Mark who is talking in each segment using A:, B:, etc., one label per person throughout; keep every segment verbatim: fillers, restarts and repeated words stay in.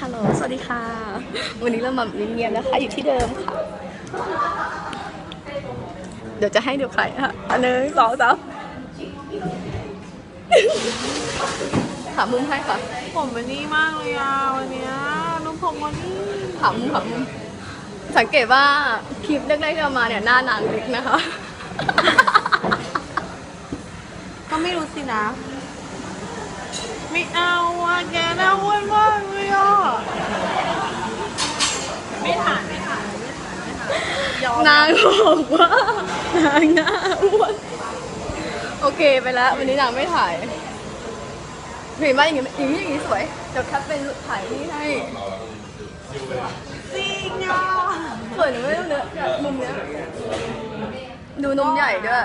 A: ฮัลโหลสวัสดีค่ะวันนี้เรามาเงียบๆนะคะอยู่ที่เดิมค่ะเดี๋ยวจะให้ดูใครค่ะอันหนึ่งสองสามถามมุมให้ค่ะ
B: ผมเป็นนี่มากเลยอ่ะวันเนี้ยน้องผมวันนี้
A: ถามมุมถามมุมสังเกตว่าคลิปแรกๆที่เรามาเนี่ยหน้านางเล็กนะคะ
B: ก็ไม่รู้สินะไม่เอาอ่ะแกน่าอ้วนมากเลยอ่ะไม่ถ่ายไม่ถ่ายไม่ถ่ายไม่ถ่าย
A: นางบอกว่านางหน้าอ้วนโอเคไปแล้ววันนี้นางไม่ถ่ายเห็นว่าอย่างนี้อย่างนี้อย่างนี้สวยเดี๋ยวแคปเป็นถ่ายนี่ให้
B: จริงอ่ะ
A: สวยหนูไม่รู้เนื้อมุมเนี้ยดูนมใหญ่ด้วย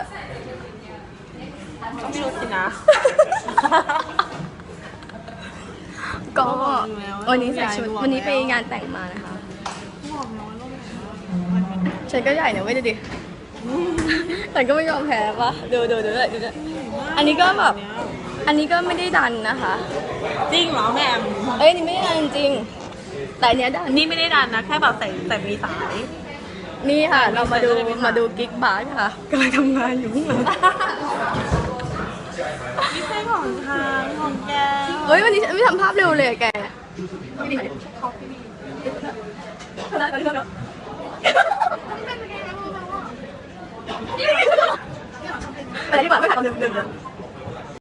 B: ไม่รู้สินะ
A: ก็วันนี้ใส่ชุดวันนี้ไปงานแต่งมานะคะฉันก็ใหญ่นะเว้ยดูดิฉันก็ไม่ยอมแพ้ปะดูดูดูเลยดูเลยอันนี้ก็แบบอันนี้ก็ไม่ได้ดันนะคะ
B: จริงเหรอแม่
A: เอ้ยนี่ไม่ได้ดันจริงแต่อันเนี้ยดัน
B: นี่ไม่ได้ดันนะแค่แบบใส่ใส่มีสาย
A: นี่ค่ะเรามาดูมาดูกิ๊กบาร์ค่ะกำลังทำงานอยู่ข้างหลัง
B: ไม่ใช่ของทางของแก
A: เฮ้ยวันนี้ฉันไม่ทำภาพเร็วเลยแกอะไรดีกว่าไม่ถ่ายตอนดึกๆ